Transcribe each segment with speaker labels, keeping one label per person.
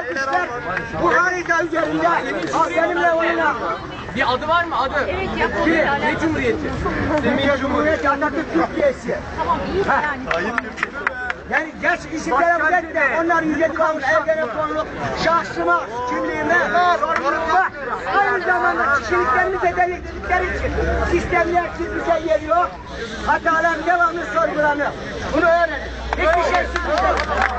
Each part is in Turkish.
Speaker 1: alkışlar bu harita üzerinde benimle oynar.
Speaker 2: Bir adı var mı? Adı?
Speaker 3: Evet, yapalım.
Speaker 2: Ne cumhuriyeti?
Speaker 1: Semih Cumhuriyet Atatürk Türkiye'si.
Speaker 3: Tamam, iyi yani.
Speaker 1: Yani geç isimlere özetle onlar yüce kanun, evlere konuluk, şahsıma, kimliğime, sorumluluğa, aynı zamanda kişiliklerimize delikledikleri için sistemler bize geliyor, hatalar devamlı sorgulanıyor. Bunu öğrenin. Hiçbir şey sürmeyecek.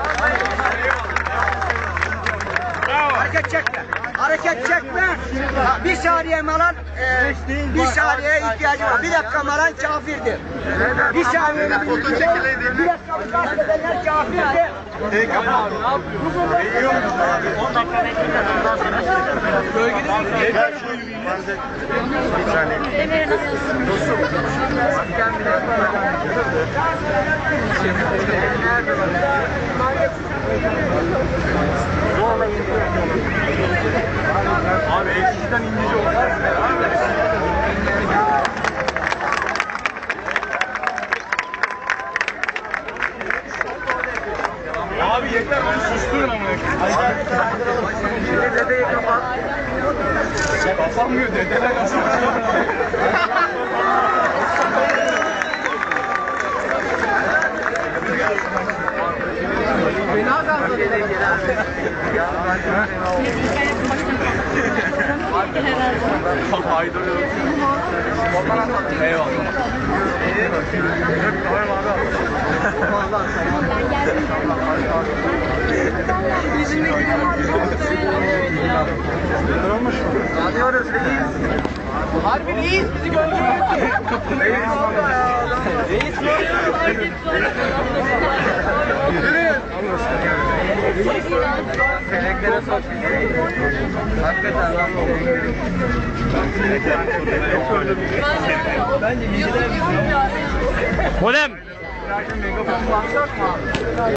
Speaker 1: Hareket çekme. Hareket çekme. Bir saniye malan, bir saniyeye ihtiyacı var. Bir dakika malan kafirdir. Bir saniye bir dakika gasp edenler kafirdir.
Speaker 3: Demir nasılsın?
Speaker 2: Abi ekşiden İngilizce olmaz. Abi yeter beni susturun ama. Şimdi dedeyi kapat. Kapanmıyor dedeler nasıl? Fena kaldı dede gelen. Haydar eyvallah. Olmuş mu? Yanıyoruz reis. Harbi reis bizi gönderiyor. Reis orada ya. Reis yürüyün. Seleklere sok. Hakikaten lan bu. Bence izler. Modem. Megafon baksak mı?